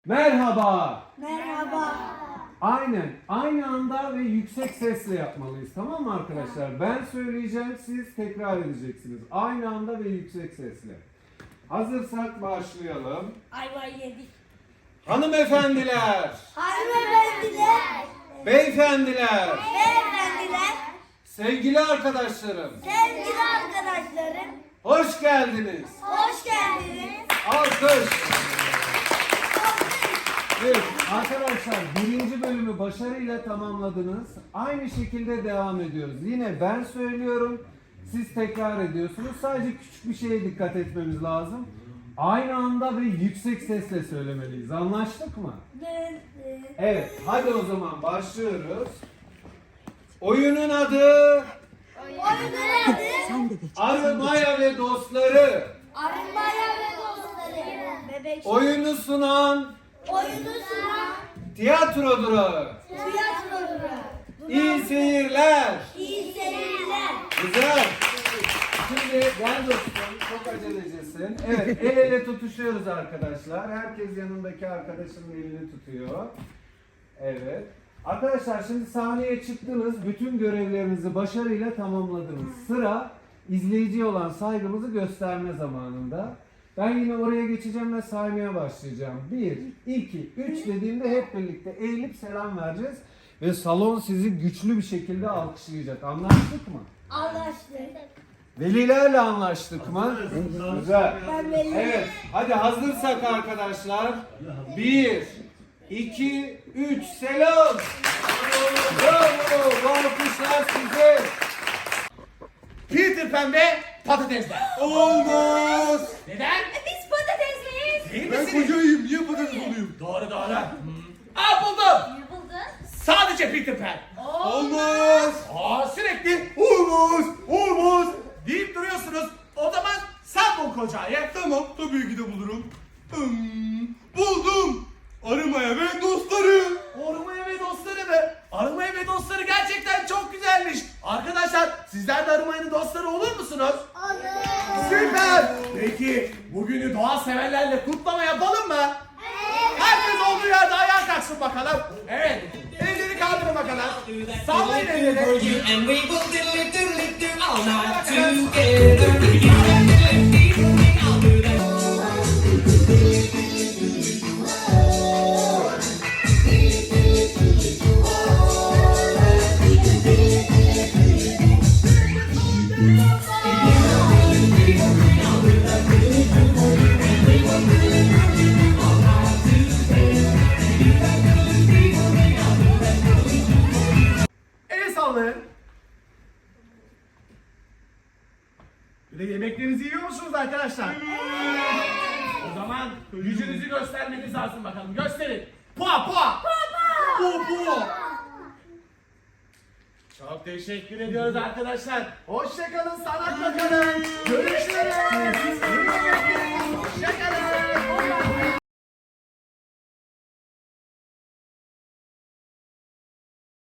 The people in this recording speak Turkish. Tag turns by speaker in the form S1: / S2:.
S1: Merhaba.
S2: Merhaba.
S1: Aynen. Aynı anda ve yüksek sesle yapmalıyız. Tamam mı arkadaşlar? Ben söyleyeceğim, siz tekrar edeceksiniz. Aynı anda ve yüksek sesle. Hazırsak başlayalım.
S2: Ayvayı yedik.
S1: Hanımefendiler,
S2: Hanımefendiler,
S1: beyefendiler,
S2: beyefendiler,
S1: sevgili arkadaşlarım,
S2: sevgili arkadaşlarım,
S1: hoş geldiniz.
S2: hoş geldiniz.
S1: Alkış. Evet arkadaşlar, birinci bölümü başarıyla tamamladınız. Aynı şekilde devam ediyoruz. Yine ben söylüyorum, siz tekrar ediyorsunuz. Sadece küçük bir şeye dikkat etmemiz lazım. Aynı anda ve yüksek sesle söylemeliyiz. Anlaştık mı? Evet, hadi o zaman başlıyoruz. Oyunun adı
S2: Oyunun adı
S1: Arı Maya ve Dostları.
S2: Arınmaya ve Dostları. Bebek
S1: Oyunu sunan
S2: oyunu sunan
S1: Tiyatro Durağı.
S2: tiyatroları.
S1: İyi seyirler.
S2: İyi seyirler.
S1: Güzel. Şimdi gel dostum, çok acelecisin. Evet, el ele tutuşuyoruz arkadaşlar. Herkes yanındaki arkadaşının elini tutuyor. Evet. Arkadaşlar şimdi sahneye çıktınız, bütün görevlerinizi başarıyla tamamladınız. Sıra izleyiciye olan saygımızı gösterme zamanında. Ben yine oraya geçeceğim ve saymaya başlayacağım. 1, 2, 3 dediğimde hep birlikte eğilip selam vereceğiz. Ve salon sizi güçlü bir şekilde alkışlayacak. Anlaştık mı?
S2: Anlaştık.
S1: Velilerle anlaştık mı? Güzel.
S2: Ben belli.
S1: Evet, hadi hazırsak arkadaşlar. 1, 2, 3, selam. Bravo, bu alkışlar size.
S3: Peter Pan ve patatesler.
S1: Olmaz.
S3: Neden?
S2: Biz patatesliyiz.
S3: Değil
S4: Ben
S3: misiniz?
S4: kocayım, niye patates olayım?
S3: Doğru doğru. Aa buldum.
S2: Ne buldun?
S3: Sadece Peter Pan.
S4: Olmaz.
S3: Sürekli olmaz, olmaz deyip duruyorsunuz. O zaman sen bul kocayı.
S4: Tamam, tabii ki de bulurum. Buldum. Arımaya ve dostları.
S3: Arımaya ve dostları mı? Arımaya ve dostları gerçekten çok güzelmiş. Arkadaşlar sizler de Arımaya'nın dostları olur musunuz?
S2: Olur.
S3: Süper. Peki bugünü doğa severlerle kutlama yapalım mı? Herkes olduğu yerde ayağa kalksın bakalım. Evet. Elleri kaldırın bakalım. Sallayın elleri.
S5: And we will diddly diddly do all night together. I'll do that.
S3: El sallayın. Bir de yemeklerinizi yiyor musunuz arkadaşlar? O zaman gücünüzü göstermeniz lazım bakalım. Gösterin. Pua pua. Pua. Çok teşekkür ediyoruz arkadaşlar. Hoşçakalın, sanatla kalın. Görüşürüz. Hoşçakalın.